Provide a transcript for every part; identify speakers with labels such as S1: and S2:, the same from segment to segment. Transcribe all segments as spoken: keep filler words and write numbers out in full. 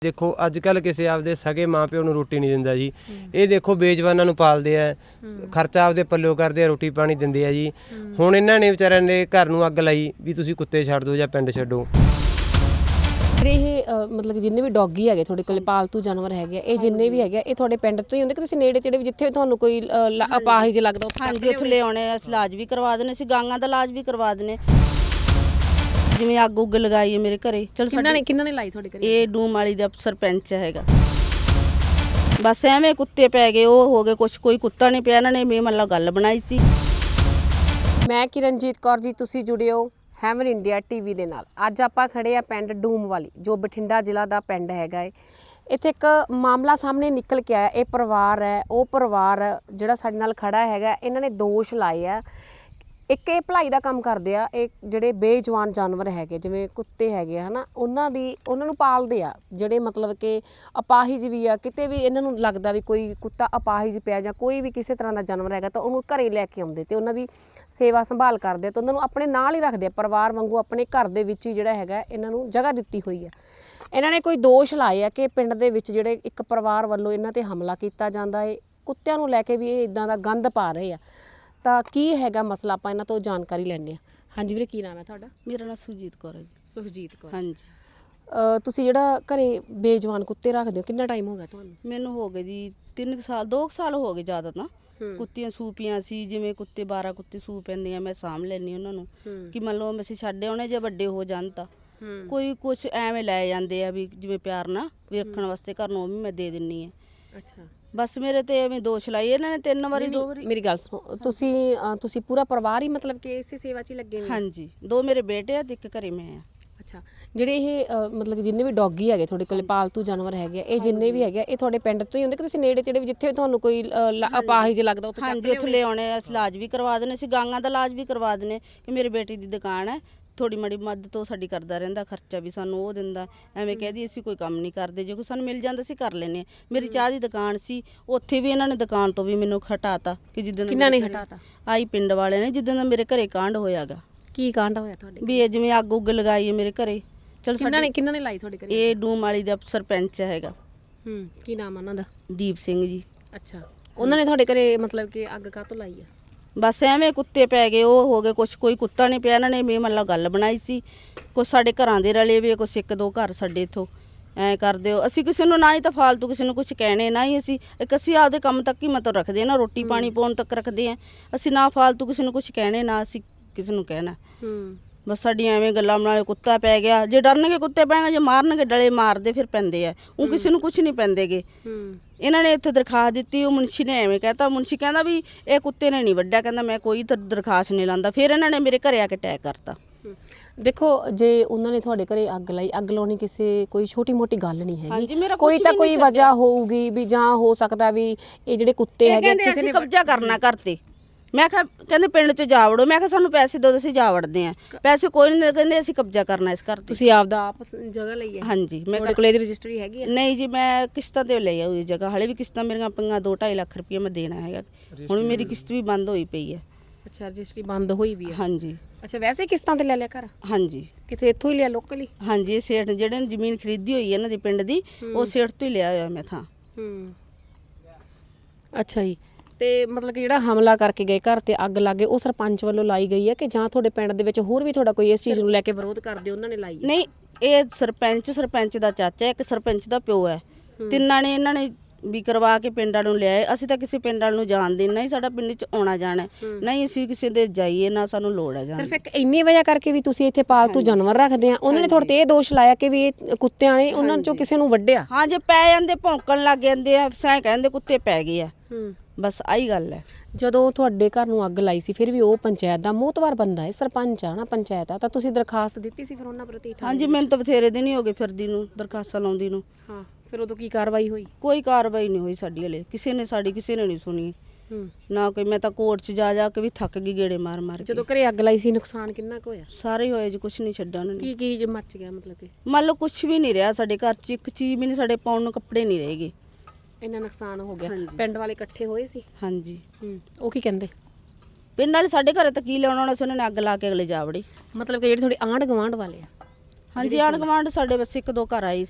S1: देखो अजकल किसी आपदे सगे माँ प्यो नूं रोटी नहीं दिंदा जी। ये देखो बेजवानां नूं पालदे आ, खर्चा आपदे पल्लिओ करदे आ, रोटी पानी दिंदे आ जी। हुण इन्हां ने विचारिਆਂ ने घर नूं अग लाई भी तुसीं कुत्ते छड्ड दो जां पिंड छड्डो।
S2: ਇਹ ਮਤਲਬ ਜਿੰਨੇ ਵੀ ਡੌਗੀ ਹੈਗੇ ਤੁਹਾਡੇ ਕੋਲ ਪਾਲਤੂ ਜਾਨਵਰ ਹੈਗੇ ਇਹ ਜਿੰਨੇ ਵੀ ਹੈਗੇ ਇਹ ਤੁਹਾਡੇ ਪਿੰਡ ਤੋਂ ਹੀ ਹੁੰਦੇ ਕਿ ਤੁਸੀਂ ਨੇੜੇ ਤੇੜੇ ਜਿੱਥੇ ਤੁਹਾਨੂੰ ਕੋਈ ਅਪਾਹਿਜ ਲੱਗਦਾ ਉੱਥੇ
S3: ਹਾਂਜੀ ਉੱਥੇ ਲੈ ਆਉਣੇ ਅਸੀਂ ਇਲਾਜ ਵੀ ਕਰਵਾ ਦਿੰਦੇ ਅਸੀਂ ਗਾਂਗਾ ਦਾ ਇਲਾਜ ਵੀ ਕਰਵਾ ਦਿੰਦੇ ਜਿਵੇਂ ਅੱਗ ਉੱਗ ਲਗਾਈ ਹੈ ਮੇਰੇ ਘਰੇ ਚਲ
S2: ਕਿੰਨਾਂ ਨੇ ਕਿੰਨਾਂ ਨੇ ਲਾਈ ਤੁਹਾਡੇ ਘਰੇ
S3: ਇਹ ਡੂਮ ਵਾਲੀ ਦਾ ਸਰਪੰਚ ਹੈਗਾ ਬਸ ਐਵੇਂ ਕੁੱਤੇ ਪੈ ਗਏ ਉਹ ਹੋ ਗਏ ਕੁਛ ਕੋਈ ਕੁੱਤਾ ਨਹੀਂ ਪਿਆ ਇਹਨਾਂ ਨੇ ਮੇ ਮੱਲਾ ਗੱਲ ਬਣਾਈ ਸੀ।
S2: ਮੈਂ ਕਿਰਨਜੀਤ ਕੌਰ ਜੀ ਤੁਸੀਂ ਜੁੜਿਓ ਹੈਵਨ ਇੰਡੀਆ ਟੀਵੀ ਦੇ ਨਾਲ। ਅੱਜ ਆਪਾਂ ਖੜੇ ਆ ਪਿੰਡ ਡੂਮ ਵਾਲੀ ਜੋ ਬਠਿੰਡਾ ਜ਼ਿਲ੍ਹਾ ਦਾ ਪਿੰਡ ਹੈਗਾ ਏ। ਇੱਥੇ ਇੱਕ ਮਾਮਲਾ ਸਾਹਮਣੇ ਨਿਕਲ ਕੇ ਆਇਆ। ਇਹ ਪਰਿਵਾਰ ਹੈ ਉਹ ਪਰਿਵਾਰ ਜਿਹੜਾ ਸਾਡੇ ਨਾਲ ਖੜਾ ਹੈਗਾ ਇਹਨਾਂ ਨੇ ਦੋਸ਼ ਲਾਏ ਆ। ਇੱਕ ਇਹ ਭਲਾਈ ਦਾ ਕੰਮ ਕਰਦੇ ਆ ਇਹ ਜਿਹੜੇ ਬੇਜਵਾਨ ਜਾਨਵਰ ਹੈਗੇ ਜਿਵੇਂ ਕੁੱਤੇ ਹੈਗੇ ਆ ਹਨਾ ਉਹਨਾਂ ਦੀ ਉਹਨਾਂ ਨੂੰ ਪਾਲਦੇ ਆ ਜਿਹੜੇ ਮਤਲਬ ਕਿ ਅਪਾਹਿਜ ਵੀ ਆ ਕਿਤੇ ਵੀ ਇਹਨਾਂ ਨੂੰ ਲੱਗਦਾ ਵੀ ਕੋਈ ਕੁੱਤਾ ਅਪਾਹਿਜ ਪਿਆ ਜਾਂ ਕੋਈ ਵੀ ਕਿਸੇ ਤਰ੍ਹਾਂ ਦਾ ਜਾਨਵਰ ਹੈਗਾ ਤਾਂ ਉਹਨੂੰ ਘਰੇ ਲੈ ਕੇ ਆਉਂਦੇ ਤੇ ਉਹਨਾਂ ਦੀ ਸੇਵਾ ਸੰਭਾਲ ਕਰਦੇ ਆ ਤਾਂ ਉਹਨਾਂ ਨੂੰ ਆਪਣੇ ਨਾਲ ਹੀ ਰੱਖਦੇ ਆ ਪਰਿਵਾਰ ਵਾਂਗੂ ਆਪਣੇ ਘਰ ਦੇ ਵਿੱਚ ਹੀ ਜਿਹੜਾ ਹੈਗਾ ਇਹਨਾਂ ਨੂੰ ਜਗ੍ਹਾ ਦਿੱਤੀ ਹੋਈ ਆ। ਇਹਨਾਂ ਨੇ ਕੋਈ ਦੋਸ਼ ਲਾਏ ਆ ਕਿ ਪਿੰਡ ਦੇ ਵਿੱਚ ਜਿਹੜੇ ਇੱਕ ਪਰਿਵਾਰ ਵੱਲੋਂ ਇਹਨਾਂ ਤੇ ਹਮਲਾ ਕੀਤਾ ਜਾਂਦਾ ਹੈ ਕੁੱਤਿਆਂ ਨੂੰ ਲੈ ਕੇ ਵੀ ਇਹ ਇਦਾਂ ਦਾ ਗੰਦ ਪਾ ਰਹੇ ਆ। ਤਾਂ ਕੀ ਹੈਗਾ ਮਸਲਾ ਆਪਾਂ ਇਹਨਾਂ ਤੋਂ ਜਾਣਕਾਰੀ ਲੈਣੇ ਆ। ਹਾਂਜੀ ਵੀਰੇ ਕੀ ਨਾਮ ਹੈ ਤੁਹਾਡਾ?
S3: ਮੇਰਾ ਨਾਮ ਸੁਜੀਤ ਕੌਰ ਹੈ ਜੀ।
S2: ਸੁਖਜੀਤ ਕੌਰ
S3: ਹਾਂਜੀ
S2: ਤੁਸੀਂ ਜਿਹੜਾ ਘਰੇ ਬੇਜਵਾਨ ਕੁੱਤੇ ਰੱਖਦੇ ਹੋ ਕਿੰਨਾ ਟਾਈਮ ਹੋ ਗਿਆ ਤੁਹਾਨੂੰ?
S3: ਮੈਨੂੰ ਹੋ ਗਏ ਜੀ ਤਿੰਨ ਸਾਲ ਦੋ ਸਾਲ ਹੋ ਗਏ ਜ਼ਿਆਦਾ ਤਾਂ ਕੁੱਤੀਆਂ ਸੂਪੀਆਂ ਸੀ ਜਿਵੇਂ ਕੁੱਤੇ ਬਾਰਾਂ ਕੁੱਤੇ ਸੂ ਪੈਂਦੇ ਆ ਮੈਂ ਸਾਂਭ ਲੈਣੀ ਉਹਨਾਂ ਨੂੰ ਕਿ ਮੰਨ ਲਓ ਅਸੀਂ ਛੱਡ ਆਉਣੇ ਜੇ ਵੱਡੇ ਹੋ ਜਾਣ ਤਾਂ ਕੋਈ ਕੁਛ ਐਵੇਂ ਲੈ ਜਾਂਦੇ ਆ ਵੀ ਜਿਵੇਂ ਪਿਆਰ ਨਾਲ ਵੀ ਰੱਖਣ ਵਾਸਤੇ ਘਰ ਨੂੰ ਉਹ ਵੀ ਮੈਂ ਦੇ ਦਿੰਨੀ ਆ।
S2: ਅੱਛਾ
S3: ਬਸ ਮੇਰੇ ਤੇ ਐਵੇਂ ਦੋਸ਼ ਲਾਈ ਇਹਨਾਂ ਨੇ ਤਿੰਨ ਵਾਰੀ ਦੋ ਵਾਰੀ।
S2: ਮੇਰੀ ਗੱਲ ਸੁਣੋ ਤੁਸੀਂ ਤੁਸੀਂ ਪੂਰਾ ਪਰਿਵਾਰ ਹੀ ਮਤਲਬ ਕਿ ਇਸੇ ਸੇਵਾ 'ਚ ਹੀ ਲੱਗੇ ਨੇ?
S3: ਹਾਂਜੀ ਦੋ ਮੇਰੇ ਬੇਟੇ ਆ ਤੇ ਇੱਕ ਘਰੇ ਮੈਂ ਆ।
S2: ਅੱਛਾ ਜਿਹੜੇ ਇਹ ਮਤਲਬ ਕਿ ਜਿੰਨੇ ਵੀ ਡੌਗੀ ਹੈਗੇ ਤੁਹਾਡੇ ਕੋਲ ਪਾਲਤੂ ਜਾਨਵਰ ਹੈਗੇ ਇਹ ਜਿੰਨੇ ਵੀ ਹੈਗੇ ਇਹ ਤੁਹਾਡੇ ਪਿੰਡ ਤੋਂ ਹੀ ਹੁੰਦੇ ਕਿ ਤੁਸੀਂ ਨੇੜੇ ਤੇੜੇ ਜਿੱਥੇ ਤੁਹਾਨੂੰ ਕੋਈ ਅਪਾਹਿਜ ਲੱਗਦਾ ਉੱਥੇ?
S3: ਹਾਂਜੀ ਉੱਥੇ ਲੈ ਆਉਣੇ ਅਸੀਂ ਇਲਾਜ ਵੀ ਕਰਵਾ ਦਿੰਦੇ ਅਸੀਂ ਗਾਂਗਾ ਦਾ ਇਲਾਜ ਵੀ ਕਰਵਾ ਦਿੰਦੇ ਕਿ ਮੇਰੀ ਬੇਟੀ ਦੀ ਦੁਕਾਨ ਹੈ ਥੋੜੀ ਮੜੀ ਮਦਦ ਤੋਂ ਸਾਡੀ ਕਰਦਾ ਰਹਿੰਦਾ ਖਰਚਾ ਵੀ ਸਾਨੂੰ ਉਹ ਦਿੰਦਾ ਐਵੇਂ ਕਹਦੀ ਅਸੀਂ ਕੋਈ ਕੰਮ ਨਹੀਂ ਕਰਦੇ ਜੇ ਕੋਈ ਸਾਨੂੰ ਮਿਲ ਜਾਂਦਾ ਅਸੀਂ ਕਰ ਲੈਨੇ। ਮੇਰੀ ਚਾਹ ਦੀ ਦੁਕਾਨ ਸੀ ਉੱਥੇ ਵੀ ਇਹਨਾਂ ਨੇ ਦੁਕਾਨ ਤੋਂ ਵੀ ਮੈਨੂੰ ਹਟਾਤਾ ਕਿ ਜਿੱਦਣ
S2: ਕਿੰਨਾ ਨੇ ਹਟਾਤਾ?
S3: ਆਈ ਪਿੰਡ ਵਾਲਿਆਂ ਨੇ ਜਿੱਦਣ ਦਾ ਮੇਰੇ ਘਰੇ ਕਾਂਡ ਹੋਇਆਗਾ।
S2: ਕੀ ਕਾਂਡ ਹੋਇਆ ਤੁਹਾਡੇ?
S3: ਵੀ ਇਹ ਜਿਵੇਂ ਅੱਗ ਉੱਗ ਲਗਾਈ ਹੈ ਮੇਰੇ ਘਰੇ ਚਲ
S2: ਕਿੰਨਾਂ ਨੇ ਕਿੰਨਾਂ ਨੇ ਲਾਈ ਤੁਹਾਡੇ ਘਰੇ?
S3: ਇਹ ਡੂਮ ਵਾਲੀ ਦਾ ਸਰਪੰਚ ਹੈਗਾ।
S2: ਹੂੰ ਕੀ ਨਾਮ ਉਹਨਾਂ ਦਾ?
S3: ਦੀਪ ਸਿੰਘ ਜੀ।
S2: ਅੱਛਾ ਉਹਨਾਂ ਨੇ ਤੁਹਾਡੇ ਘਰੇ ਮਤਲਬ ਕਿ ਅੱਗ ਕਾਹਤੋਂ ਲਾਈ ਆ?
S3: ਬਸ ਐਵੇਂ ਕੁੱਤੇ ਪੈ ਗਏ ਉਹ ਹੋ ਗਏ ਕੁਛ ਕੋਈ ਕੁੱਤਾ ਨਹੀਂ ਪਿਆ ਇਹਨਾਂ ਨੇ ਮੇ ਮੱਲਾ ਗੱਲ ਬਣਾਈ ਸੀ ਕੁਛ ਸਾਡੇ ਘਰਾਂ ਦੇ ਰਲੇ ਵੀ ਕੁਛ ਇੱਕ ਦੋ ਘਰ ਸਾਡੇ ਇੱਥੋਂ ਐਂ ਕਰਦੇ ਹੋ ਅਸੀਂ ਕਿਸੇ ਨੂੰ ਨਾ ਹੀ ਤਾਂ ਫਾਲਤੂ ਕਿਸੇ ਨੂੰ ਕੁਛ ਕਹਿਣੇ ਨਾ ਹੀ ਅਸੀਂ ਇੱਕ ਅਸੀਂ ਆਪਦੇ ਕੰਮ ਤੱਕ ਹੀ ਮਤਲਬ ਰੱਖਦੇ ਨਾ ਰੋਟੀ ਪਾਣੀ ਪਾਉਣ ਤੱਕ ਰੱਖਦੇ ਆ ਅਸੀਂ ਨਾ ਫਾਲਤੂ ਕਿਸੇ ਨੂੰ ਕੁਛ ਕਹਿਣੇ ਨਾ ਅਸੀਂ ਕਿਸੇ ਨੂੰ ਕਹਿਣਾ।
S2: ਹੂੰ
S3: ਬਸ ਸਾਡੀਆਂ ਐਵੇਂ ਗੱਲਾਂ ਬਣਾਲੇ ਕੁੱਤਾ ਪੈ ਗਿਆ ਜੇ ਡਰਨਗੇ ਕੁੱਤੇ ਪੈਣਗੇ ਜੇ ਮਾਰਨਗੇ ਡਲੇ ਮਾਰਦੇ ਫਿਰ ਪੈਂਦੇ ਆ ਉਹ ਕਿਸੇ ਨੂੰ ਕੁਛ ਨਹੀਂ ਪੈਂਦੇਗੇ। ਇਹਨਾਂ ਨੇ ਇੱਥੇ ਦਰਖਾਸਤ ਦਿੱਤੀ ਉਹ ਮੁਨਸ਼ੀ ਨੇ ਐਵੇਂ ਕਹਿਤਾ ਮੁਨਸ਼ੀ ਕਹਿੰਦਾ ਵੀ ਇਹ ਕੁੱਤੇ ਨੇ ਨਹੀਂ ਵੱਢਿਆ ਕਹਿੰਦਾ ਮੈਂ ਕੋਈ ਦਰਖਾਸਤ ਨਹੀਂ ਲਾਂਦਾ ਫਿਰ ਇਹਨਾਂ ਨੇ ਮੇਰੇ ਘਰੇ ਆ ਕੇ ਅਟੈਕ ਕਰਤਾ।
S2: ਦੇਖੋ ਜੇ ਉਹਨਾਂ ਨੇ ਤੁਹਾਡੇ ਘਰੇ ਅੱਗ ਲਾਈ ਅੱਗ ਲਾਉਣੀ ਕਿਸੇ ਕੋਈ ਛੋਟੀ ਮੋਟੀ ਗੱਲ ਨਹੀਂ ਹੈਗੀ
S3: ਮੇਰਾ
S2: ਕੋਈ ਤਾਂ ਕੋਈ ਵਜ੍ਹਾ ਹੋਊਗੀ ਵੀ ਜਾਂ ਹੋ ਸਕਦਾ ਵੀ ਇਹ ਜਿਹੜੇ ਕੁੱਤੇ ਹੈਗੇ
S3: ਕਿਸੇ ਨੇ ਕਬਜ਼ਾ ਕਰਨਾ ਕਰਤੇ ਮੈਂ ਕਿਹਾ ਕਹਿੰਦੇ ਪਿੰਡ 'ਚ ਜਾ ਵੜੋ ਮੈਂ ਕਿਹਾ ਸਾਨੂੰ ਪੈਸੇ ਦਿਓ ਅਸੀਂ ਜਾ ਵੜਦੇ ਆ ਪੈਸੇ ਕੋਈ ਨਹੀਂ ਕਹਿੰਦੇ ਅਸੀਂ ਕਬਜ਼ਾ ਕਰਨਾ ਇਸ ਘਰ ਤੇ।
S2: ਤੁਸੀਂ ਆਪਦਾ ਆਪ ਜਗ੍ਹਾ ਲਈ ਹੈ?
S3: ਹਾਂਜੀ ਮੈਂ
S2: ਤੁਹਾਡੇ ਕੋਲ ਇਹਦੀ ਰਜਿਸਟਰੀ ਹੈਗੀ ਹੈ?
S3: ਨਹੀਂ ਜੀ ਮੈਂ ਕਿਸ਼ਤਾਂ ਤੇ ਲਈ ਆ ਉਹ ਜਗ੍ਹਾ ਹਾਲੇ ਵੀ ਕਿਸ਼ਤਾਂ ਮੇਰੀਆਂ ਪਈਆਂ ਦੋ ਢਾਈ ਲੱਖ ਰੁਪਏ ਮੈਂ ਦੇਣਾ ਹੈਗਾ ਹੁਣ ਮੇਰੀ ਕਿਸ਼ਤ ਵੀ ਬੰਦ ਹੋਈ ਪਈ ਹੈ।
S2: ਅੱਛਾ ਰਜਿਸਟਰੀ ਬੰਦ ਹੋਈ ਵੀ ਹੈ?
S3: ਹਾਂਜੀ।
S2: ਅੱਛਾ ਵੈਸੇ ਕਿਸ਼ਤਾਂ ਤੇ ਲੈ ਲਿਆ ਘਰ?
S3: ਹਾਂਜੀ
S2: ਕਿਤੇ ਇੱਥੋਂ ਹੀ ਲਿਆ ਲੋਕਲੀ?
S3: ਹਾਂਜੀ ਇਹ ਸੇਠ ਜਿਹੜੇ ਨੇ ਜ਼ਮੀਨ ਖਰੀਦੀ ਹੋਈ ਹੈ ਇਹਨਾਂ ਦੀ ਪਿੰਡ ਦੀ ਉਹ ਸੇਠ ਤੋਂ ਹੀ ਲਿਆ ਹੋਇਆ ਮੈਂ ਥਾਂ।
S2: ਹੂੰ ਅੱਛਾ ਜੀ ਤੇ ਮਤਲਬ ਕਿ ਜਿਹੜਾ ਹਮਲਾ ਕਰਕੇ ਗਏ ਘਰ ਤੇ ਅੱਗ ਲੱਗੇ ਉਹ ਸਰਪੰਚ ਵੱਲੋਂ ਲਾਈ ਗਈ ਹੈ ਕਿ ਜਾਂ ਤੁਹਾਡੇ ਪਿੰਡ ਦੇ ਵਿੱਚ ਹੋਰ ਵੀ ਤੁਹਾਡਾ ਕੋਈ ਇਸ ਚੀਜ਼ ਨੂੰ ਲੈ ਕੇ ਵਿਰੋਧ ਕਰਦੇ ਉਹਨਾਂ ਨੇ ਲਾਈ ਹੈ?
S3: ਨਹੀਂ ਇਹ ਸਰਪੰਚ ਸਰਪੰਚ ਦਾ ਚਾਚਾ ਇੱਕ ਸਰਪੰਚ ਦਾ ਪਿਓ ਹੈ ਤਿੰਨਾਂ ਨੇ ਇਹਨਾਂ ਨੇ ਵੀ ਕਰਵਾ ਕੇ ਪਿੰਡਾਂ ਨੂੰ ਲਿਆਏ ਅਸੀਂ ਤਾਂ ਕਿਸੇ ਪਿੰਡਾਂ ਨੂੰ ਜਾਣਦੇ ਨਹੀਂ ਸਾਡਾ ਪਿੰਡ 'ਚ ਆਉਣਾ ਜਾਣਾ ਨਹੀਂ ਅਸੀਂ ਕਿਸੇ ਦੇ ਜਾਈਏ ਨਾ ਸਾਨੂੰ ਲੋੜ ਹੈ ਜਾਣ।
S2: ਸਿਰਫ ਇੱਕ ਇੰਨੀ ਵਜ੍ਹਾ ਕਰਕੇ ਵੀ ਤੁਸੀਂ ਇੱਥੇ ਪਾਲਤੂ ਜਾਨਵਰ ਰੱਖਦੇ ਆ ਉਹਨਾਂ ਨੇ ਤੁਹਾਡੇ ਤੇ ਇਹ ਦੋਸ਼ ਲਾਇਆ ਕਿ ਵੀ ਇਹ ਕੁੱਤਿਆਂ ਨੇ ਉਹਨਾਂ ਚੋਂ ਕਿਸੇ ਨੂੰ ਵੱਢਿਆ?
S3: ਹਾਂ ਜੇ ਪੈ ਜਾਂਦੇ ਭੌਂਕਣ ਲੱਗ ਜਾਂਦੇ ਆ ਸੈਂ ਕਹਿੰਦੇ ਕੁੱਤੇ ਪੈ ਗਏ ਆ
S2: ਹੂੰ
S3: ਬਸ ਆਹੀ ਗੱਲ ਹੈ।
S2: ਜਦੋਂ ਤੁਹਾਡੇ ਘਰ ਨੂੰ ਅੱਗ ਲਾਈ ਸੀ ਫਿਰ ਵੀ ਉਹ ਪੰਚਾਇਤ ਦਾ ਮੋਹਤਵਾਰ ਬੰਦਾ ਹੈ ਸਰਪੰਚ ਆ ਨਾ ਪੰਚਾਇਤ ਆ ਤਾਂ ਤੁਸੀਂ ਦਰਖਾਸਤ ਦਿੱਤੀ ਸੀ ਫਿਰ ਉਹਨਾਂ ਪ੍ਰਤੀ?
S3: ਹਾਂਜੀ ਮੈਨੂੰ ਤਾਂ ਬਥੇਰੇ ਦਿਨ ਹੀ ਹੋ ਗਏ ਫਿਰਦੀ ਨੂੰ ਦਰਖਾਸਤਾਂ ਲਾਉਂਦੀ ਨੂੰ।
S2: ਹਾਂ ਫਿਰ ਉਦੋਂ ਕੀ ਕਾਰਵਾਈ ਹੋਈ?
S3: ਕੋਈ ਕਾਰਵਾਈ ਨਹੀਂ ਹੋਈ ਸਾਡੀ ਹਲੇ ਕਿਸੇ ਨੇ ਸਾਡੀ ਕਿਸੇ ਨੇ ਨਹੀਂ ਸੁਣੀ
S2: ਹੂੰ
S3: ਨਾ ਕੋਈ ਮੈਂ ਤਾਂ ਕੋਰਟ 'ਚ ਜਾ ਜਾ ਕੇ ਵੀ ਥੱਕ ਗਈ ਗੇੜੇ ਮਾਰ ਮਾਰ ਕੇ।
S2: ਜਦੋਂ ਘਰੇ ਅੱਗ ਲਾਈ ਸੀ ਨੁਕਸਾਨ ਕਿੰਨਾ ਕੁ ਹੋਇਆ?
S3: ਸਾਰੇ ਹੋਏ ਜੀ ਕੁਛ ਨਹੀਂ ਛੱਡਿਆ ਉਹਨਾਂ ਨੇ।
S2: ਕੀ ਕੀ ਮੱਚ ਗਿਆ ਮਤਲਬ ਕਿ?
S3: ਮੰਨ ਲਓ ਕੁਛ ਵੀ ਨਹੀਂ ਰਿਹਾ ਸਾਡੇ ਘਰ 'ਚ ਇੱਕ ਚੀਜ਼ ਵੀ ਨਹੀਂ ਸਾਡੇ ਪਾਉਣ ਨੂੰ ਕੱਪੜੇ ਨਹੀਂ ਰਹੇਗੇ
S2: ਇੰਨਾ ਨੁਕਸਾਨ ਹੋ ਗਿਆ। ਪਿੰਡ ਵਾਲੇ ਇਕੱਠੇ ਹੋਏ ਸੀ?
S3: ਹਾਂਜੀ।
S2: ਹੂੰ ਉਹ ਕੀ ਕਹਿੰਦੇ?
S3: ਪਿੰਡ ਵਾਲੇ ਸਾਡੇ ਘਰੇ ਤਾਂ ਕੀ ਲਿਆਉਣਾ ਹੋਣਾ ਸੀ ਉਹਨਾਂ ਨੇ ਅੱਗ ਲਾ ਕੇ ਅਗਲੇ ਜਾ ਵੜੇ।
S2: ਮਤਲਬ ਕਿ ਜਿਹੜੇ ਤੁਹਾਡੇ ਆਂਢ ਗਵਾਂਢ ਵਾਲੇ ਆ?
S3: ਹਾਂਜੀ ਆਂਢ ਗਵਾਂਢ ਸਾਡੇ ਬਸ ਇੱਕ ਦੋ ਘਰ ਆਏ ਸੀਗੇ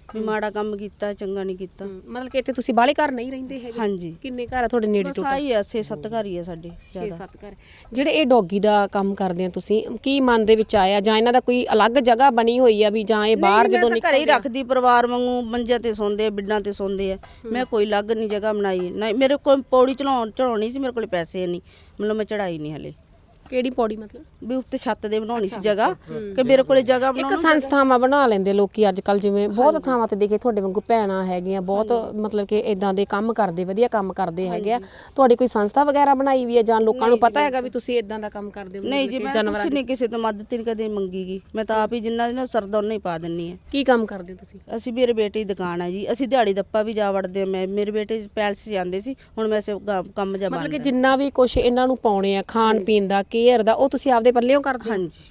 S3: ਵੀ ਮਾੜਾ ਕੰਮ ਕੀਤਾ ਚੰਗਾ ਨਹੀਂ ਕੀਤਾ।
S2: ਮਤਲਬ ਕਿ ਇੱਥੇ ਤੁਸੀਂ ਬਾਹਲੇ ਘਰ ਨਹੀਂ ਰਹਿੰਦੇ ਹੈਗੇ?
S3: ਹਾਂਜੀ
S2: ਕਿੰਨੇ ਘਰ ਆ ਤੁਹਾਡੇ ਨੇੜੇ
S3: ਬਸ
S2: ਟੋਟਲ?
S3: ਆਹੀ ਆ ਛੇ ਸੱਤ ਘਰ ਹੀ ਆ ਸਾਡੇ
S2: ਛੇ
S3: ਜ਼ਿਆਦਾ।
S2: ਸੱਤ ਘਰ। ਜਿਹੜੇ ਇਹ ਡੌਗੀ ਦਾ ਕੰਮ ਕਰਦੇ ਆ ਤੁਸੀਂ, ਕੀ ਮਨ ਦੇ ਵਿੱਚ ਆਇਆ ਜਾਂ ਇਹਨਾਂ ਦਾ ਕੋਈ ਅਲੱਗ ਜਗ੍ਹਾ ਬਣੀ ਹੋਈ ਆ ਵੀ ਜਾਂ ਇਹ ਬਾਹਰ ਜਦੋਂ
S3: ਮੈਂ ਤਾਂ ਘਰੇ ਹੀ ਰੱਖਦੀ ਪਰਿਵਾਰ ਵਾਂਗੂ, ਮੰਜਿਆਂ ਤੇ ਸੌਂਦੇ ਆ, ਬਿੱਡਾਂ ਤੇ ਸੌਂਦੇ ਆ। ਮੈਂ ਕੋਈ ਅਲੱਗ ਨਹੀਂ ਜਗ੍ਹਾ ਬਣਾਈ ਨਾ, ਮੇਰੇ ਕੋਲ ਪੌੜੀ ਚੜਾਉਣ ਚੜਾਉਣੀ ਸੀ, ਮੇਰੇ ਕੋਲ ਪੈਸੇ ਨਹੀਂ, ਮਤਲਬ ਮੈਂ ਚੜਾਈ ਨਹੀਂ ਹਲੇ।
S2: ਕਿਹੜੀ ਪੌੜੀ ਮਤਲਬ?
S3: ਵੀ ਉੱਤੇ ਛੱਤ ਦੇ ਬਣਾਉਣੀ ਸੀ ਜਗ੍ਹਾ, ਕਿ ਮੇਰੇ ਕੋਲੇ ਜਗ੍ਹਾ
S2: ਇੱਕ
S3: ਬਣਾਉਣੀ।
S2: ਸੰਸਥਾਵਾਂ ਬਣਾ ਲੈਂਦੇ ਲੋਕੀ ਅੱਜ ਕੱਲ, ਜਿਵੇਂ ਬਹੁਤ ਥਾਵਾਂ ਤੇ ਦੇਖੇ ਤੁਹਾਡੇ ਵਾਂਗੂ ਭੈਣਾਂ ਹੈਗੀਆਂ, ਬਹੁਤ ਮਤਲਬ ਕਿ ਇਦਾਂ ਦੇ ਕੰਮ ਕਰਦੇ, ਵਧੀਆ ਕੰਮ ਕਰਦੇ ਹੈਗੇ ਆ। ਤੁਹਾਡੀ ਕੋਈ ਸੰਸਥਾ ਵਗੈਰਾ ਬਣਾਈ ਵੀ ਹੈ ਜਾਂ ਲੋਕਾਂ ਨੂੰ ਪਤਾ ਹੈਗਾ ਵੀ ਤੁਸੀਂ ਇਦਾਂ ਦਾ ਕੰਮ ਕਰਦੇ ਹੋ?
S3: ਨਹੀਂ ਜੀ, ਮੈਂ ਕੁਛ ਨਹੀਂ ਕਿਸੇ ਤੋਂ ਮਦਦ ਨਹੀਂ ਕਦੇ ਮੰਗੀ ਗੀ। ਮੈਂ ਤਾਂ ਆਪ ਹੀ ਜਿੰਨਾ ਜਿਹਨਾਂ ਸਰਦਾ ਉਹਨਾਂ ਹੀ ਪਾ ਦਿੰਨੀ ਆ।
S2: ਕੀ ਕੰਮ ਕਰਦੇ ਹੋ ਤੁਸੀਂ?
S3: ਅਸੀਂ ਮੇਰੇ ਬੇਟੇ ਦੀ ਦੁਕਾਨ ਆ ਜੀ, ਅਸੀਂ ਦਿਹਾੜੀ ਦੱਪਾ ਵੀ ਜਾ ਵੜਦੇ ਆ। ਮੈਂ ਮੇਰੇ ਬੇਟੇ ਪੈਲਸ ਜਾਂਦੇ ਸੀ, ਹੁਣ ਮੈਂ ਸੇ ਕੰਮ ਜਾ
S2: ਮਤਲਬ ਕਿ
S3: ਬੰਦ।
S2: ਜਿੰਨਾ ਵੀ ਕੁਝ ਇਹਨਾਂ ਨੂੰ ਪਾਉਣੇ ਆ, ਖਾਣ ਪੀਣ ਦਾ, ਕੇਅਰ ਦਾ, ਉਹ ਤੁਸੀਂ ਆਪਦੇ ਪੱਲਿਓਂ ਕਰਦੇ ਹੋ?
S3: ਹਾਂਜੀ,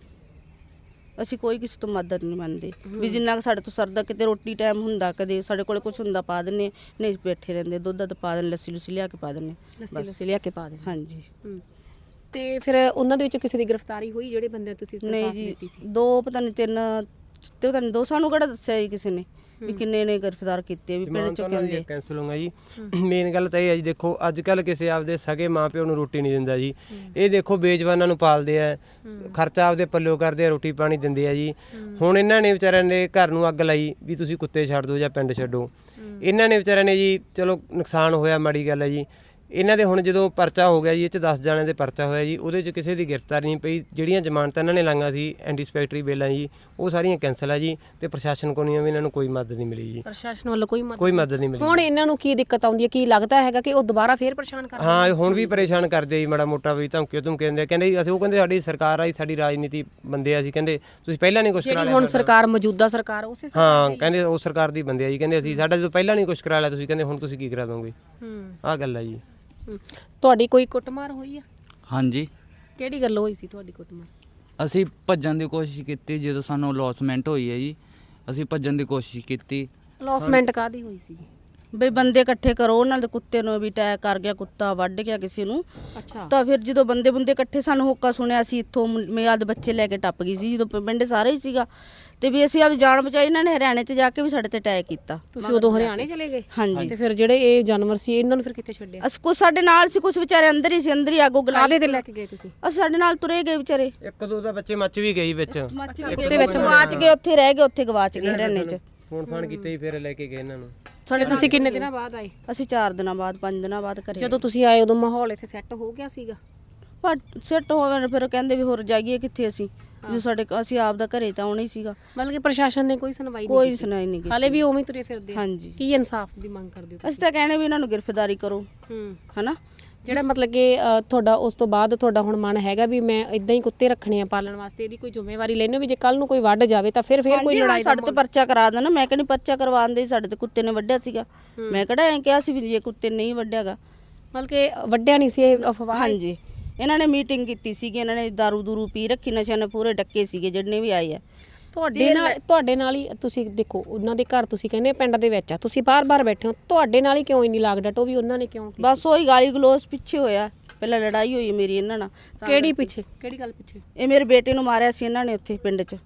S3: ਅਸੀਂ ਕੋਈ ਕਿਸੇ ਤੋਂ ਮਦਦ ਨਹੀਂ ਮੰਗਦੇ ਵੀ ਜਿੰਨਾ ਕੁ ਸਾਡੇ ਤੋਂ ਸਰਦਾ। ਕਿਤੇ ਰੋਟੀ ਟਾਈਮ ਹੁੰਦਾ, ਕਦੇ ਸਾਡੇ ਕੋਲ ਕੁਝ ਹੁੰਦਾ ਪਾ ਦਿੰਨੇ ਆ, ਨਹੀਂ ਬੈਠੇ ਰਹਿੰਦੇ, ਦੁੱਧ ਦੁੱਧ ਪਾ ਦਿੰਦੇ, ਲੱਸੀ ਲੁੱਸੀ ਲਿਆ ਕੇ ਪਾ ਦਿੰਨੇ।
S2: ਲੱਸੀ ਲੁੱਸੀ ਲਿਆ ਕੇ ਪਾ ਦੇ।
S3: ਹਾਂਜੀ।
S2: ਹੂੰ। ਤੇ ਫਿਰ ਉਹਨਾਂ ਦੇ ਵਿੱਚੋਂ ਕਿਸੇ ਦੀ ਗ੍ਰਿਫਤਾਰੀ ਹੋਈ ਜਿਹੜੇ ਬੰਦੇ ਤੁਸੀਂ
S3: ਨਹੀਂ
S2: ਦਰਖਾਸਤ
S3: ਜੀ,
S2: ਦਿੱਤੀ ਸੀ?
S3: ਦੋ ਪਤਾ ਨਹੀਂ ਤਿੰਨ ਤੇ ਪਤਾ ਨਹੀਂ ਦੋ, ਸਾਨੂੰ ਕਿਹੜਾ ਦੱਸਿਆ ਜੀ ਕਿਸੇ ਨੇ ਵੀ ਕਿੰਨੇ ਨੇ ਗ੍ਰਿਫਤਾਰ ਕੀਤੇ ਵੀ ਪਿੰਡ ਚੋਂ ਕਹਿੰਦੇ।
S1: ਕੈਂਸਲ ਹੋਊਗਾ ਜੀ। ਮੇਨ ਗੱਲ ਤਾਂ ਇਹ ਹੈ ਜੀ, ਦੇਖੋ ਅੱਜ ਕੱਲ ਕਿਸੇ ਆਪਦੇ ਸਗੇ ਮਾਪਿਓ ਨੂੰ ਰੋਟੀ ਨਹੀਂ ਦਿੰਦਾ ਜੀ। ਇਹ ਦੇਖੋ ਬੇਜਵਾਨਾਂ ਨੂੰ ਪਾਲਦੇ ਆ, ਖਰਚਾ ਆਪਦੇ ਪੱਲਿਓ ਕਰਦੇ ਆ, ਰੋਟੀ ਪਾਣੀ ਦਿੰਦੇ ਆ ਜੀ। ਹੁਣ ਇਹਨਾਂ ਨੇ ਵਿਚਾਰਿਆਂ ਨੇ ਘਰ ਨੂੰ ਅੱਗ ਲਾਈ ਵੀ ਤੁਸੀਂ ਕੁੱਤੇ ਛੱਡ ਦਿਓ ਜਾਂ ਪਿੰਡ ਛੱਡੋ। ਇਹਨਾਂ ਨੇ ਵਿਚਾਰਿਆਂ ਨੇ ਜੀ, ਚਲੋ ਨੁਕਸਾਨ ਹੋਇਆ, ਮਾੜੀ ਗੱਲ ਹੈ ਜੀ। ਇਹਨਾਂ ਦੇ ਹੁਣ ਜਦੋਂ ਪਰਚਾ ਹੋ ਗਿਆ ਜੀ, ਇਹ 'ਚ ਦਸ ਜਣਿਆਂ ਦੇ ਪਰਚਾ ਹੋਇਆ ਜੀ, ਉਹਦੇ 'ਚ ਕਿਸੇ ਦੀ ਗ੍ਰਿਫਤਾਰੀ ਨਹੀਂ ਪਈ। ਜਿਹੜੀਆਂ ਜ਼ਮਾਨਤਾਂ ਇਹਨਾਂ ਨੇ ਲਾਈਆਂ ਸੀ ਐਂਟੀਸਪੈਕਟਰੀ ਬੇਲਾਂ ਜੀ, ਉਹ ਸਾਰੀਆਂ ਕੈਂਸਲ ਆ ਜੀ। ਤੇ ਪ੍ਰਸ਼ਾਸਨ ਕੋਲੋਂ ਵੀ ਇਹਨਾਂ ਨੂੰ ਕੋਈ ਮਦਦ ਨਹੀਂ ਮਿਲੀ ਜੀ।
S2: ਪ੍ਰਸ਼ਾਸਨ ਵੱਲੋਂ ਕੋਈ ਮਦਦ
S1: ਕੋਈ ਮਦਦ ਨਹੀਂ ਮਿਲੀ।
S2: ਹੁਣ ਇਹਨਾਂ ਨੂੰ ਕੀ ਦਿੱਕਤ ਆਉਂਦੀ ਹੈ? ਕੀ ਲੱਗਦਾ ਹੈਗਾ ਕਿ ਉਹ ਦੁਬਾਰਾ ਫੇਰ ਪਰੇਸ਼ਾਨ ਕਰਦੇ?
S1: ਹਾਂ, ਹੁਣ ਵੀ ਪਰੇਸ਼ਾਨ ਕਰਦੇ ਜੀ, ਮਾੜਾ ਮੋਟਾ ਵੀ ਧਮਕੀ ਧਮਕੀ ਦਿੰਦੇ ਆ। ਕਹਿੰਦੇ ਜੀ ਅਸੀਂ, ਉਹ ਕਹਿੰਦੇ ਸਾਡੀ ਸਰਕਾਰ ਆਈ, ਸਾਡੀ ਰਾਜਨੀਤੀ ਬੰਦੇ ਆ, ਅਸੀਂ ਕਹਿੰਦੇ ਤੁਸੀਂ ਪਹਿਲਾਂ ਨਹੀਂ ਕੁਝ ਕਰਾ ਲਿਆ।
S2: ਹੁਣ ਸਰਕਾਰ ਮੌਜੂਦਾ ਸਰਕਾਰ ਉਸੇ
S1: ਹਾਂ, ਕਹਿੰਦੇ ਉਹ ਸਰਕਾਰ ਦੀ ਬੰਦੇ ਆ ਜੀ। ਕਹਿੰਦੇ ਅਸੀਂ ਸਾਡਾ ਜਦੋਂ ਪਹਿਲਾਂ ਨਹੀਂ ਕੁਝ ਕਰਾ ਲਿਆ, ਤੁਸੀਂ ਕਹਿੰਦੇ ਹੁਣ ਤੁਸੀਂ ਕੀ ਕਰਾ ਦੋਗੇ?
S2: ਹੂੰ।
S1: ਆਹ ਗੱਲ ਆ ਜੀ।
S2: ਤੁਹਾਡੀ ਕੋਈ ਕੁੱਟਮਾਰ ਹੋਈ ਆ?
S4: ਹਾਂਜੀ।
S2: ਕਿਹੜੀ ਗੱਲ ਹੋਈ ਸੀ ਤੁਹਾਡੀ ਕੁੱਟਮਾਰ?
S4: ਅਸੀਂ ਭੱਜਣ ਦੀ ਕੋਸ਼ਿਸ਼ ਕੀਤੀ, ਜਦੋਂ ਸਾਨੂੰ ਲੌਸਮੈਂਟ ਹੋਈ ਹੈ ਜੀ, ਅਸੀਂ ਭੱਜਣ ਦੀ ਕੋਸ਼ਿਸ਼ ਕੀਤੀ।
S2: ਲੌਸਮੈਂਟ ਕਾਦੀ ਹੋਈ ਸੀ?
S3: ਬਈ ਬੰਦੇ ਇਕੱਠੇ ਕਰੋ, ਉਹਨਾਂ ਦੇ ਕੁੱਤੇ ਨੂੰ ਵੀ ਅਟੈਕ ਕਰ ਗਿਆ, ਕੁੱਤਾ ਵੱਢ ਗਿਆ ਕਿਸੇ ਨੂੰ।
S2: ਅੱਛਾ।
S3: ਤਾਂ ਫਿਰ ਜਦੋਂ ਬੰਦੇ ਬੰਦੇ ਇਕੱਠੇ, ਸਾਨੂੰ ਹੋਕਾ ਸੁਣਿਆ, ਅਸੀਂ ਇੱਥੋਂ ਮਿਆਦ ਬੱਚੇ ਲੈ ਕੇ ਟੱਪ ਗਈ ਸੀ, ਜਦੋਂ ਪਿੰਡ ਸਾਰੇ ਹੀ ਸੀਗਾ। ਤੇ ਵੀ ਅਸੀਂ ਆਪ ਜਾਨ ਬਚਾਈ। ਇਹਨਾਂ ਨੇ ਹਰਿਆਣੇ 'ਚ ਜਾ ਕੇ ਵੀ ਸਾਡੇ ਤੇ ਅਟੈਕ ਕੀਤਾ।
S2: ਤੁਸੀਂ ਉਦੋਂ ਹਰਿਆਣੇ ਚਲੇ ਗਏ?
S3: ਹਾਂਜੀ।
S2: ਤੇ ਫਿਰ ਜਿਹੜੇ ਇਹ ਜਾਨਵਰ ਸੀ, ਇਹਨਾਂ ਨੂੰ ਫਿਰ ਕਿੱਥੇ ਛੱਡਿਆ?
S3: ਅਸੀਂ ਕੁਛ ਸਾਡੇ ਨਾਲ ਸੀ, ਕੁਛ ਵਿਚਾਰੇ ਅੰਦਰ ਹੀ ਸੀ, ਅੰਦਰ ਹੀ ਆਗੋ ਗਲਾ।
S2: ਕਾਹਦੇ ਤੇ ਲੈ ਕੇ ਗਏ ਤੁਸੀਂ?
S3: ਅਸੀਂ ਸਾਡੇ ਨਾਲ ਤੁਰੇ ਗਏ ਵਿਚਾਰੇ।
S1: ਇੱਕ ਦੋ ਤਾਂ ਬੱਚੇ ਮੱਚ ਵੀ ਗਏ ਵਿੱਚ,
S3: ਕੁੱਤੇ ਵਿੱਚ ਗਵਾਚ ਗਏ, ਉੱਥੇ ਰਹਿ ਗਏ, ਉੱਥੇ ਗਵਾਚ ਗਏ ਹਰਿਆਣੇ 'ਚ।
S1: ਫੋਨ ਫਾਨ ਕੀਤੇ ਹੀ ਫਿਰ ਲੈ ਕੇ ਗਏ ਇਹਨਾਂ ਨੂੰ।
S2: ਸਾਡੇ ਤੁਸੀਂ ਕਿੰਨੇ ਦਿਨਾਂ ਬਾਅਦ ਆਏ?
S3: ਅਸੀਂ ਚਾਰ ਦਿਨਾਂ ਬਾਅਦ ਪੰਜ ਦਿਨਾਂ ਬਾਅਦ ਘਰੇ।
S2: ਜਦੋਂ ਤੁਸੀਂ ਆਏ ਉਦੋਂ ਮਾਹੌਲ ਇੱਥੇ ਸੈੱਟ ਹੋ ਗਿਆ ਸੀਗਾ?
S3: ਪਰ ਸੈੱਟ ਹੋਵੇ ਫਿਰ ਕਹਿੰਦੇ ਵੀ ਹੋਰ ਜਾਈਏ ਕਿੱਥੇ ਅਸੀਂ, ਜੋ ਸਾਡੇ ਅਸੀਂ ਆਪ ਦਾ ਘਰੇ ਤਾਂ ਆਉਣਾ ਹੀ ਸੀਗਾ।
S2: ਮਤਲਬ ਕਿ ਪ੍ਰਸ਼ਾਸਨ ਨੇ ਕੋਈ ਸੁਣਵਾਈ ਨਹੀਂ
S3: ਕੋਈ ਸੁਣਾਈ ਨਹੀਂ ਕੀਤੀ।
S2: ਹਾਲੇ ਵੀ ਉਵੇਂ ਹੀ ਤੁਰੇ ਫਿਰਦੇ ਆ?
S3: ਹਾਂਜੀ।
S2: ਕੀ ਇਨਸਾਫ ਦੀ ਮੰਗ ਕਰਦੇ ਹੋ?
S3: ਅਸੀਂ ਤਾਂ ਕਹਿੰਦੇ ਵੀ ਇਹਨਾਂ ਨੂੰ ਗ੍ਰਿਫਤਾਰੀ ਕਰੋ।
S2: ਹੂੰ।
S3: ਹਨਾ,
S2: ਜਿਹੜਾ ਮਤਲਬ ਕਿ ਅ, ਤੁਹਾਡਾ ਉਸ ਤੋਂ ਬਾਅਦ ਤੁਹਾਡਾ ਹੁਣ ਮਨ ਹੈਗਾ ਵੀ ਮੈਂ ਇਦਾਂ ਹੀ ਕੁੱਤੇ ਰੱਖਣੇ ਆ ਪਾਲਣ ਵਾਸਤੇ, ਇਹਦੀ ਕੋਈ ਜ਼ਿੰਮੇਵਾਰੀ ਲੈਣੇ ਵੀ ਜੇ ਕੱਲ ਨੂੰ ਕੋਈ ਵੱਢ ਜਾਵੇ ਤਾਂ ਫਿਰ ਫਿਰ ਕੋਈ ਲੜਾਈ ਦਾ
S3: ਸਾਡੇ ਤੇ ਪਰਚਾ ਕਰਾ ਦੇਣਾ। ਮੈਂ ਕਹਿੰਦੀ ਪਰਚਾ ਕਰਵਾਉਂਦੇ, ਸਾਡੇ ਤੇ ਕੁੱਤੇ ਨੇ ਵੱਢਿਆ ਸੀਗਾ। ਮੈਂ ਕਿਹੜਾ ਐਂ ਕਿਹਾ ਸੀ ਵੀ ਇਹ ਕੁੱਤੇ ਨਹੀਂ ਵੱਢਿਆਗਾ।
S2: ਮਤਲਬ ਕਿ ਵੱਢਿਆ ਨਹੀਂ ਸੀ, ਇਹ ਅਫਵਾਹ?
S3: ਹਾਂਜੀ, ਇਹਨਾਂ ਨੇ ਮੀਟਿੰਗ ਕੀਤੀ ਸੀਗੀ, ਇਹਨਾਂ ਨੇ ਦਾਰੂ ਦੂਰੂ ਪੀ ਰੱਖੀ, ਨਸ਼ਿਆਂ ਨੇ ਪੂਰੇ ਡੱਕੇ ਸੀਗੇ ਜਿੰਨੇ ਵੀ ਆਏ ਆ।
S2: ਤੁਹਾਡੇ ਨਾਲ ਤੁਹਾਡੇ ਨਾਲ ਹੀ ਤੁਸੀਂ ਦੇਖੋ, ਉਹਨਾਂ ਦੇ ਘਰ ਤੁਸੀਂ ਕਹਿੰਦੇ ਪਿੰਡ ਦੇ ਵਿੱਚ ਆ, ਤੁਸੀਂ ਬਾਰ-ਬਾਰ ਬੈਠੇ ਹੋ, ਤੁਹਾਡੇ ਨਾਲ ਹੀ ਕਿਉਂ ਇੰਨੀ ਲਾਗ ਡਟ? ਉਹ ਵੀ ਉਹਨਾਂ ਨੇ ਕਿਉਂ ਕੀਤੀ?
S3: ਬਸ ਉਹੀ ਗਾਲੀ ਗਲੋਸ ਪਿੱਛੇ ਹੋਇਆ, ਪਹਿਲਾਂ ਲੜਾਈ ਹੋਈ ਮੇਰੀ ਇਹਨਾਂ ਨਾਲ।
S2: ਕਿਹੜੀ ਪਿੱਛੇ? ਕਿਹੜੀ ਗੱਲ ਪਿੱਛੇ?
S3: ਇਹ ਮੇਰੇ ਬੇਟੇ ਨੂੰ ਮਾਰਿਆ ਸੀ ਇਹਨਾਂ ਨੇ ਉੱਥੇ ਪਿੰਡ 'ਚ।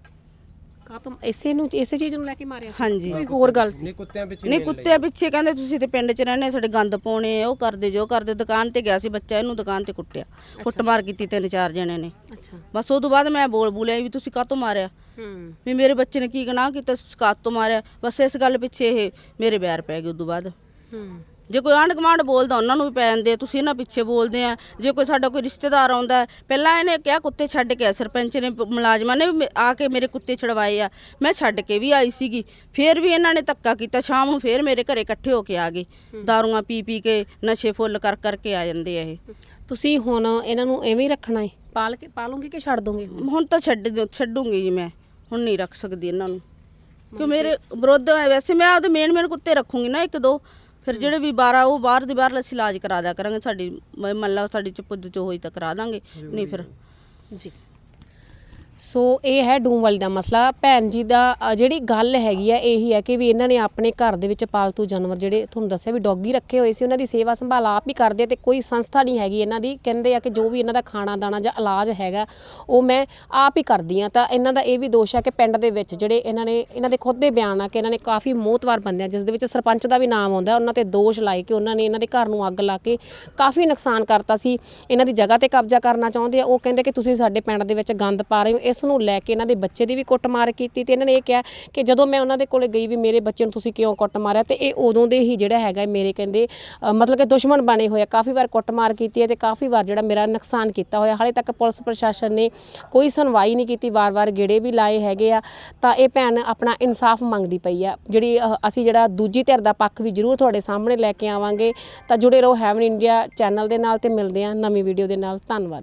S2: ਕਾ ਤੁਮ ਇਸੇ ਨੂੰ ਇਸੇ ਚੀਜ਼ ਨੂੰ ਲੈ ਕੇ ਮਾਰਿਆ?
S3: ਹਾਂਜੀ।
S2: ਕੋਈ ਹੋਰ ਗੱਲ ਸੀ?
S1: ਨਹੀਂ, ਕੁੱਤਿਆਂ ਪਿੱਛੇ
S3: ਨਹੀਂ, ਕੁੱਤਿਆਂ ਪਿੱਛੇ ਕਹਿੰਦੇ ਤੁਸੀਂ ਤੇ ਪਿੰਡ 'ਚ ਰਹਿੰਦੇ, ਸਾਡੇ ਗੰਦ ਪਾਉਣੇ, ਉਹ ਕਰਦੇ ਜੋ ਕਰਦੇ। ਦੁਕਾਨ ਤੇ ਗਿਆ ਸੀ ਬੱਚਾ, ਇਹਨੂੰ ਦੁਕਾਨ ਤੇ ਕੁੱਟਿਆ, ਕੁੱਟਮਾਰ ਕੀਤੀ ਤਿੰਨ ਚਾਰ ਜਣਿਆਂ ਨੇ।
S2: ਅੱਛਾ।
S3: ਬਸ ਉਹ ਤੋਂ ਬਾਅਦ ਮੈਂ ਬੋਲ ਬੋਲਿਆ ਵੀ ਤੁਸੀਂ ਕਾਹਤੋਂ ਮਾਰਿਆ,
S2: ਹੂੰ। ਵੀ
S3: ਵੀ ਮੇਰੇ ਬੱਚੇ ਨੇ ਕੀ ਗੁਨਾਹ ਕੀਤਾ, ਕਾਹਤੋਂ ਮਾਰਿਆ। ਬਸ ਇਸ ਗੱਲ ਪਿੱਛੇ ਇਹ ਮੇਰੇ ਵੈਰ ਪੈ ਗਏ। ਉਦੋਂ ਬਾਅਦ
S2: ਹੂੰ।
S3: ਜੇ ਕੋਈ ਆਂਢ ਗੁਆਂਢ ਬੋਲਦਾ ਉਹਨਾਂ ਨੂੰ ਵੀ ਪੈ ਜਾਂਦੇ, ਤੁਸੀਂ ਇਹਨਾਂ ਪਿੱਛੇ ਬੋਲਦੇ ਆ। ਜੇ ਕੋਈ ਸਾਡਾ ਕੋਈ ਰਿਸ਼ਤੇਦਾਰ ਆਉਂਦਾ ਹੈ, ਪਹਿਲਾਂ ਇਹਨੇ ਕਿਹਾ ਕੁੱਤੇ ਛੱਡ ਕੇ, ਸਰਪੰਚ ਨੇ ਮੁਲਾਜ਼ਮਾਂ ਨੇ ਵੀ ਆ ਕੇ ਮੇਰੇ ਕੁੱਤੇ ਛਡਵਾਏ ਆ। ਮੈਂ ਛੱਡ ਕੇ ਵੀ ਆਈ ਸੀਗੀ, ਫਿਰ ਵੀ ਇਹਨਾਂ ਨੇ ਧੱਕਾ ਕੀਤਾ। ਸ਼ਾਮ ਨੂੰ ਫਿਰ ਮੇਰੇ ਘਰੇ ਇਕੱਠੇ ਹੋ ਕੇ ਆ ਗਏ, ਦਾਰੂਆਂ ਪੀ ਪੀ ਕੇ, ਨਸ਼ੇ ਫੁੱਲ ਕਰ ਕਰਕੇ ਆ ਜਾਂਦੇ ਆ ਇਹ।
S2: ਤੁਸੀਂ ਹੁਣ ਇਹਨਾਂ ਨੂੰ ਐਵੇਂ ਹੀ ਰੱਖਣਾ ਹੈ? ਪਾਲ ਕੇ ਪਾਲੋਗੇ ਕਿ ਛੱਡ ਦੋਗੇ?
S3: ਹੁਣ ਤਾਂ ਛੱਡ ਦਿਓ- ਛੱਡੂੰਗੀ ਜੀ ਮੈਂ, ਹੁਣ ਨਹੀਂ ਰੱਖ ਸਕਦੀ ਇਹਨਾਂ ਨੂੰ, ਕਿਉਂ ਮੇਰੇ ਵਿਰੁੱਧ ਹੈ। ਵੈਸੇ ਮੈਂ ਆਪਦੇ ਮੇਨ ਮੇਨ ਕੁੱਤੇ ਰੱਖੂੰਗੀ ਨਾ ਇੱਕ ਦੋ, ਫਿਰ ਜਿਹੜੇ ਵੀ ਬਾਰਾਂ ਉਹ ਬਾਹਰ ਦੇ ਬਾਹਰ ਅਸੀਂ ਇਲਾਜ ਕਰਾ ਦਿਆ ਕਰਾਂਗੇ। ਸਾਡੀ ਮੰਨ ਲਾ ਸਾਡੀ ਚ ਪੁੱਦ ਚ ਹੋਈ ਤਾਂ ਕਰਾ ਦਾਂਗੇ, ਨਹੀਂ ਫਿਰ।
S2: ਜੀ। ਸੋ ਇਹ ਹੈ ਡੂਮ ਵਾਲੀ ਦਾ ਮਸਲਾ। ਭੈਣ ਜੀ ਦਾ ਅ, ਜਿਹੜੀ ਗੱਲ ਹੈਗੀ ਆ ਇਹੀ ਹੈ ਕਿ ਵੀ ਇਹਨਾਂ ਨੇ ਆਪਣੇ ਘਰ ਦੇ ਵਿੱਚ ਪਾਲਤੂ ਜਾਨਵਰ ਜਿਹੜੇ ਤੁਹਾਨੂੰ ਦੱਸਿਆ ਵੀ ਡੌਗੀ ਰੱਖੇ ਹੋਏ ਸੀ, ਉਹਨਾਂ ਦੀ ਸੇਵਾ ਸੰਭਾਲ ਆਪ ਹੀ ਕਰਦੇ ਤੇ ਕੋਈ ਸੰਸਥਾ ਨਹੀਂ ਹੈਗੀ ਇਹਨਾਂ ਦੀ। ਕਹਿੰਦੇ ਆ ਕਿ ਜੋ ਵੀ ਇਹਨਾਂ ਦਾ ਖਾਣਾ ਦਾਣਾ ਜਾਂ ਇਲਾਜ ਹੈਗਾ ਉਹ ਮੈਂ ਆਪ ਹੀ ਕਰਦੀ ਹਾਂ। ਤਾਂ ਇਹਨਾਂ ਦਾ ਇਹ ਵੀ ਦੋਸ਼ ਹੈ ਕਿ ਪਿੰਡ ਦੇ ਵਿੱਚ ਜਿਹੜੇ ਇਹਨਾਂ ਨੇ ਇਹਨਾਂ ਦੇ ਖੁਦ ਦੇ ਬਿਆਨ ਆ ਕਿ ਇਹਨਾਂ ਨੇ ਕਾਫੀ ਮੋਹਤਵਾਰ ਬੰਦੇ ਆ, ਜਿਸ ਦੇ ਵਿੱਚ ਸਰਪੰਚ ਦਾ ਵੀ ਨਾਮ ਆਉਂਦਾ, ਉਹਨਾਂ ਤੇ ਦੋਸ਼ ਲਾਏ ਕਿ ਉਹਨਾਂ ਨੇ ਇਹਨਾਂ ਦੇ ਘਰ ਨੂੰ ਅੱਗ ਲਾ ਕੇ ਕਾਫੀ ਨੁਕਸਾਨ ਕਰਤਾ ਸੀ। ਇਹਨਾਂ ਦੀ ਜਗ੍ਹਾ ਤੇ ਕਬਜ਼ਾ ਕਰਨਾ ਚਾਹੁੰਦੇ ਆ। ਉਹ ਕਹਿੰਦੇ ਕਿ ਤੁਸੀਂ ਸਾਡੇ ਪਿੰਡ ਦੇ ਵਿੱਚ ਗੰਦ ਪਾ ਰਹੇ ਹੋ। ਇਸ ਨੂੰ ਲੈ ਕੇ ਇਹਨਾਂ ਦੇ ਬੱਚੇ ਦੀ ਵੀ ਕੁੱਟਮਾਰ ਕੀਤੀ ਤੇ ਇਹਨਾਂ ਨੇ ਇਹ ਕਿਹਾ ਕਿ ਜਦੋਂ ਮੈਂ ਉਹਨਾਂ ਦੇ ਕੋਲੇ ਗਈ ਵੀ ਮੇਰੇ ਬੱਚੇ ਨੂੰ ਤੁਸੀਂ ਕਿਉਂ ਕੁੱਟ ਮਾਰਿਆ, ਤੇ ਇਹ ਉਦੋਂ ਦੇ ਹੀ ਜਿਹੜਾ ਹੈਗਾ ਮੇਰੇ ਕਹਿੰਦੇ ਅ, ਮਤਲਬ ਕਿ ਦੁਸ਼ਮਣ ਬਣੇ ਹੋਏ ਆ। ਕਾਫੀ ਵਾਰ ਕੁੱਟਮਾਰ ਕੀਤੀ ਹੈ ਤੇ ਕਾਫੀ ਵਾਰ ਜਿਹੜਾ ਮੇਰਾ ਨੁਕਸਾਨ ਕੀਤਾ ਹੋਇਆ। ਹਾਲੇ ਤੱਕ ਪੁਲਿਸ ਪ੍ਰਸ਼ਾਸਨ ਨੇ ਕੋਈ ਸੁਣਵਾਈ ਨਹੀਂ ਕੀਤੀ, ਵਾਰ-ਵਾਰ ਗੇੜੇ ਵੀ ਲਾਏ ਹੈਗੇ ਆ। ਤਾਂ ਇਹ ਭੈਣ ਆਪਣਾ ਇਨਸਾਫ ਮੰਗਦੀ ਪਈ ਆ, ਜਿਹੜੀ ਅ, ਅਸੀਂ ਜਿਹੜਾ ਦੂਜੀ ਧਿਰ ਦਾ ਪੱਖ ਵੀ ਜ਼ਰੂਰ ਤੁਹਾਡੇ ਸਾਹਮਣੇ ਲੈ ਕੇ ਆਵਾਂਗੇ। ਤਾਂ ਜੁੜੇ ਰਹੋ ਹੈਵਨ ਇੰਡੀਆ ਚੈਨਲ ਦੇ ਨਾਲ ਤੇ ਮਿਲਦੇ ਹਾਂ ਨਵੀਂ ਵੀਡੀਓ ਦੇ ਨਾਲ। ਧੰਨਵਾਦ।